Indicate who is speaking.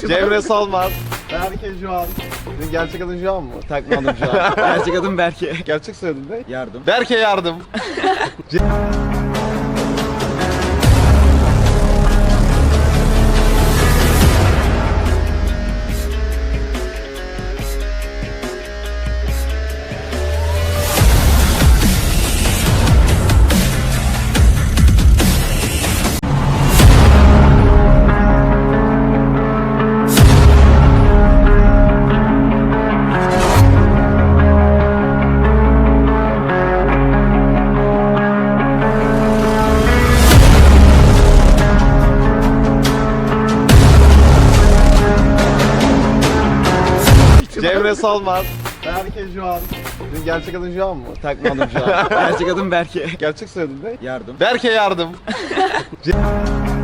Speaker 1: Cemre Solmaz. Berke Juan. Senin gerçek adın Juan mı?
Speaker 2: Takma adım şu an. Gerçek adım Berke.
Speaker 1: Gerçek soyadın ne?
Speaker 2: Yardım.
Speaker 1: Berke Yardım. Cemre Solmaz. Berke Juan. Senin gerçek adın Juan mı?
Speaker 2: Takma adım şu an. Gerçek adım Berke.
Speaker 1: Gerçek soyadın ne?
Speaker 2: Yardım.
Speaker 1: Berke Yardım.